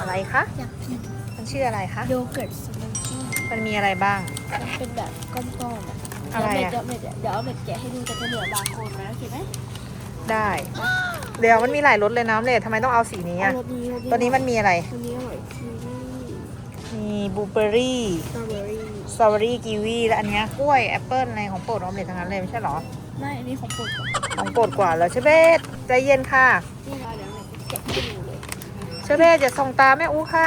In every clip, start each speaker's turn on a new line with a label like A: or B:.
A: อะไรคะ
B: อยากกิน
A: มันชื่ออะไรคะ
B: โยเกิร์ตสมูทตี้
A: มันมีอะไรบ้าง
B: มันเป็นแบบก้อนๆอ่ะ
A: อะไรอะ
B: เดี๋ยวเอาเม็ดแกะให้ดูแต่จะเหลือบางคนนะโอเคไหม
A: ได้ เดี๋ยวมันมีหลายรสเลยนะเลยทำไมต้องเอาสีนี้
B: เอา
A: อ่ะ
B: รสนี้
A: ตัวนี้มันมีอะไร
B: ตัวนี้อร่อยคีวี
A: มีบลูเบอร์รี่
B: สตรอเบอรี่
A: สตรอเบอรี่กีวีและอันเนี้ยกล้วยแอปเปิ้ลอะไรของโปรดออมเล็ตทั้งนั้นเลยไม่ใช่เหรอ
B: ไม่อันนี้ของโปรดก่อน
A: ของโปรดกว่าแล้วเชเบตใจเย็นค่ะ
B: นี่เราเดี๋ยวเราแกะให้ดูเลย
A: เชเบตอย่าส่องตาแม่อู้ค่ะ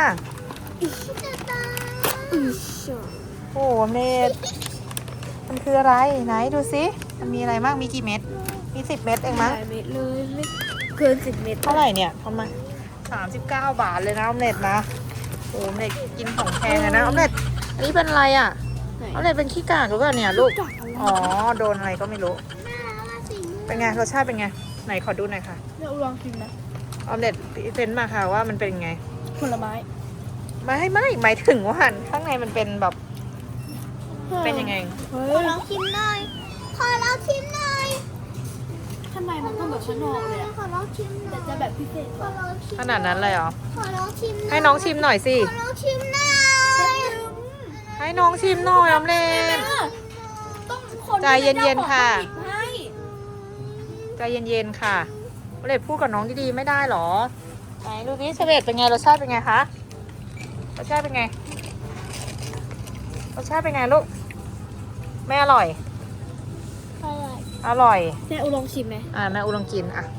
A: โอ้ออมเล็ตมันคืออะไรไหนดูสิมันมีอะไรบ้างมีกี่เม็ดมี10 เม็ดเองมั้ง
B: หลายเม็ดเลยไม่เกิน10 เม็ด
A: เท่าไหร่เนี่ยประมาณ39 บาทเลยนะออมเล็ตนะโอ้ออมเล็ตกินของแพงเลยนะออมเล็ตอันนี้เป็นอะไรอ่ะ
B: ไหน
A: ออมเล็ตเป็นขี้กากหรือเปล่าเนี่ยลูก
B: กัดอะไร
A: อ๋อโดนอะไรก็ไม่รู้เป็นไงรสชาติเป็นไงไหนขอดูหน่อยค่ะ
B: เนี่ยลองชิมนะ
A: ออมเล็ตเซนมาค่ะว่ามันเป็นไง
B: ผลไม้
A: ไม่หมายถึงว่าข้างในมันเป็นแบบเป็นยังไง
B: เฮ้
C: ขอย ลองชิมหน่อย ขอลองชิมหน่อย
B: ทำไมมันต้องแบบข้างนอกเลยอะ
C: ขอลองชิมหน่
B: แต่
C: อย
B: จะแบบพิเศษ
C: ขอลองชิม
A: ขนาดนั้นเลยเหรอ
C: ขอลองชิมหน่อย
A: ให้น้องชิมหน่อยสิ
C: ขอลองชิมหน่อย
A: ให้น้องชิมหน่อยออมเล็ต
B: ต้องคน
A: ใจเย็นๆค่ะ
B: ที่เป็นเจ้าของเขาหยิบให้
A: ใจเย็นๆค่ะออมเล็ตพูดกับน้องดีๆไม่ได้เหรอไหนดูดิเชเบตเป็นไงรสชาติเป็นไงคะรสชาติเป็นไงรสชาติเป็นไงลูกไม่อร่อย
C: อะไร
A: อร่อย
B: แม่อุลองชิมไหม
A: แม่อูลองกินอ่ะ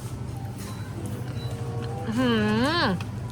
A: อื้อหือ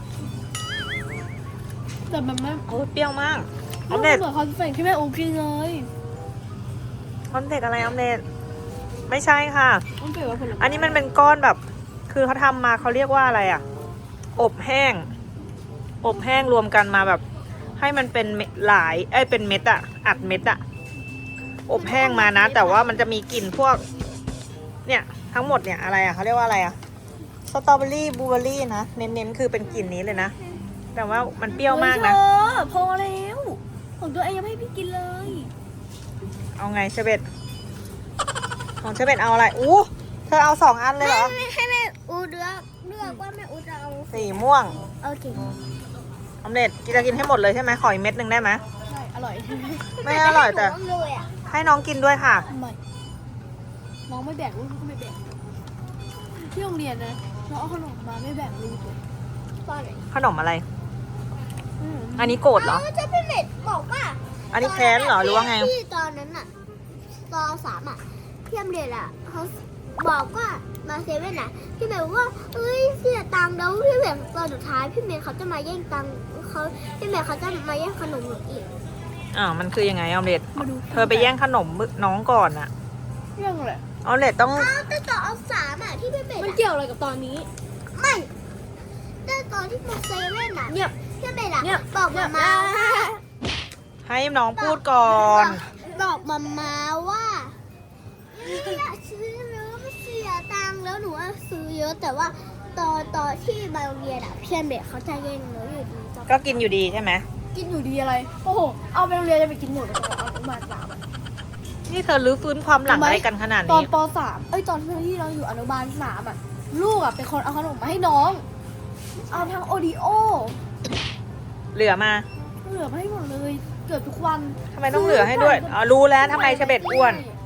B: แต่มันไม่
A: โอ้ยเปรี้ยวมากอ
B: มั
A: อน มเล็ต
B: เหมือนคอนเฟกที่แม่อูกินเลย
A: ออมเล็ตอะไรออมเล็ตไม่ใช่ค่ะ
B: มันเกี่ยวกับผลไม้
A: อันนี้มันเป็นก้อนแบบ คือเขาทำมาเขาเรียกว่าอะไรอ่ะ อบแห้ง อบแห้งรวมกันมาแบบ ให้มันเป็นเม็ดหลายเป็นเม็ดอะอัดเม็ดอะอบแห้งมานะ แต่ว่ามันจะมีกลิ่นพวก เนี่ยทั้งหมดเนี่ยอะไรอะเขาเรียกว่าอะไรอะสตรอเบอรี่บลูเบอรี่นะ เน้นๆคือเป็นกลิ่นนี้เลยนะ แต่ว่ามันเปรี้ยวมากนะ
B: เฮ้ยเธอพอแล้วของตัวเองยังไม่ให้พี่กินเลย
A: เอาไงเชเบตของเชเบตเอาอะไรอู้เธอเอา2 อันเลยเหรอ
C: ให้แม่อูเลือกว่าแม่อูจะเอา
A: สีม่วง
C: โอเค
A: ออมเล็ตจะกินให้หมดเลยใช่ไหมขออีกเม็ดหนึ่งได้ไหม
B: ใช่ อร่อย
A: ไม่อร่อยแต่
C: หนูเลยอ่ะ
A: ให้น้องกินด้วยค่ะ
B: ไม่น้องไม่แบ่งลูกก็ไม่แบ่งที่โรงเรียนนะน้องเอาขนมมาไม่แบ่งลูกเลย
C: ตอนไหน
A: ขนมอะไร
B: อืม
A: อันนี้โกรธเหรอ
C: จะเป็นเม็ดบอกว่า
A: อันนี้แค้นเหรอหรือว่าไง
C: ที่ตอนนั้นอ่ะตอน3อ่ะพี่อำเรียนอ่ะเขาบอกว่ามาเซเว่นอ่ะพี่เมย์บอกว่าเอ้ยเสียตังค์แล้วพี่เมย์ตอนสุดท้ายพี่เมย์เขาจะมาแย่งตังค์พี่เมย์เขาจะมาแย่งขนมหนูอีก
A: มันคือยังไงออมเล็ต
B: มาดู
A: เธอไปแย่งขนมน้องก่อนอะ
B: เรื่องอะไร
A: ออมเล็ตต้อง
C: อ้าวแต่ตอนเอา3อ่ะที่พี่เมย์
B: มัน
C: อะ
B: เกี่ยวอะไรกับตอนนี้
C: ไม่แต่ตอนที่มาเซเว่นอ่ะ
B: เงียบ
C: พี่เมย์อ่ะ
B: เนี่ย
C: บอกมาว่า
A: ให้น้องพูดก่อน
C: บอกมาว่าอยากซื้อแล้วไม่เสียตังค์แล้วหนูว่าซื้อเยอะแต่ว่าตอนที่มาโรงเรียนอ่ะเพื่อนเด็กเขาจะแย่งหนูอยู่ดีจ้ะ
A: ก็กินอยู่ดีใช่ไหม
B: กินอยู่ดีอะไร โอ้โห เอาไปโรงเรียนจะไปกินหมดเลยเอาอนุบาล3อะ
A: นี่เธอรื้อฟื้นความหลังอะไรกันขนาด
B: ตอน
A: นี้
B: ป .3 ตอนที่เราอยู่อนุบาล3อ่ะ ลูกอ่ะเป็นคนเอาขนมมาให้น้อง เอาทั้งโอรีโอ
A: เหลือมา
B: เหลือมาให้หมดเลย เกือบทุกวัน
A: ทำไมต้องเหลือให้ด้วยรู้แล้วทำไมเชเบตอ้วน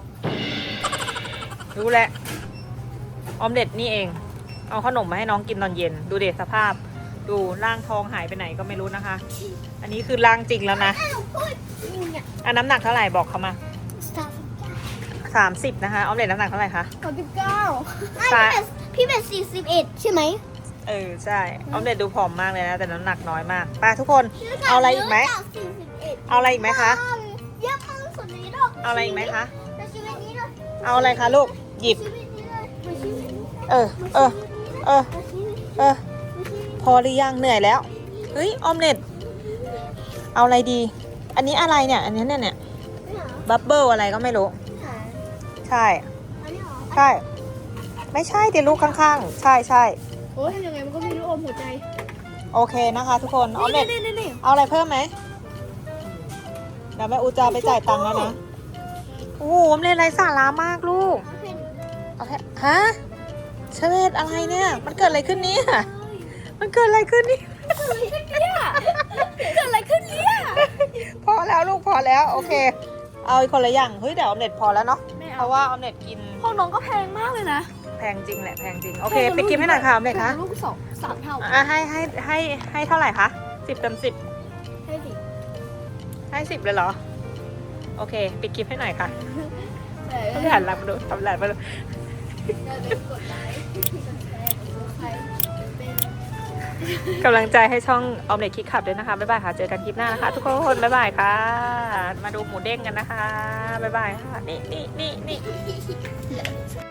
A: รู้แล้วออมเล็ตนี่เอง เอาขนมมาให้น้องกินตอนเย็น ดูเด็สภาพ ดูร่างทองหายไปไหนก็ไม่รู้นะคะ อันนี้คือร่างจริงแล้วนะ
C: ถ้าหนูพูดเนี่ย
A: น้ำหนักเท่าไหร่บอกเขามา
C: สาม
A: 30นะคะออมเล็ตน้ำหนักเท่าไหร่คะ
B: 39
C: พี่เป็น41ใช่ไหม
A: ใช่ออมเล็ตดูผอมมากเลยนะแต่น้ำหนักน้อยมากไปทุกคน เอาอะไรอีกไหม
C: 41
A: เอาอะไรอีกไหมคะ
C: เยอะมากสุดนี้หรอก
A: เอาอะไรอีกไหมคะ
C: แต่ชีวิตนี้เลย
A: เอาอะไรคะลูกหยิบ
C: ชีวิตนี้เลยมาชีวิตนี้
A: เออ
C: มาชีวิตนี้
A: เออ
C: มาชีวิตนี้
A: เออ พอหรือยังเหนื่อยแล้วเฮ้ยออมเล็ตเอาอะไรดี อันนี้อะไรเนี่ย อันนี้เนี่ย
C: ไม่เหรอ
A: บับเบิลอะไรก็ไม่รู้
C: หา
A: ใช่
C: อันนี้เหรอ
A: ใช่ ไม่ใช่เดี๋ยวลูกข้างๆ ใช่ใช่
B: โอ้ยยังไงมันก็มีลูกอมหัวใจ
A: โอเคนะคะ ทุกคนออมเล็ต
B: นี่
A: เอาอะไรเพิ่มไหมเดี๋ยวแม่อูจะไปจ่ายตังค์แล้วนะโอ้โหออมเล็ตไรสาระมากลูก
C: เอาเพน
A: เอาแค่ฮะเชเวตอะไรเนี่ย มันเกิดอะไรขึ้นเนี่ยมันเกิดอะไรขึ้นนี่
B: เกิดอะไรขึ้นเนี่ย
A: พอแล้วลูกพอแล้วโอเค เอาอีกคนละอย่างเฮ้ยแต่ออมเล็ตพอแล้วเนาะ
B: ไม่
A: เพ
B: เอา
A: ราะว่าออมเล็ตกิน
B: ของน้องก็แพงมากเลยนะ
A: แพงจริงแหละแพงจริงโอเคไปกินให้หน่อยค่ะออมเล็ตคะ
B: ลูก3 เท่า
A: อ่ะให้เท่าไหร่คะ10 เต็ม 10
C: ให้สิ
A: ให้10เลยเหรอโอเคปิดคลิปให้หน่อยค่ะ
B: แต่
A: ทำหลานรับดูทำหลานมาดู
B: อย่าลืมกดไลค์กดแชร์กด subscribe เป็น
A: กำลังใจให้ช่องออมเล็ตคิดขับด้วยนะคะบ๊ายบายค่ะเจอกันคลิปหน้านะคะ ทุกคนบ๊ายบายค่ะ มาดูหมูเด้งกันนะคะบ๊ายบายค่ะนี่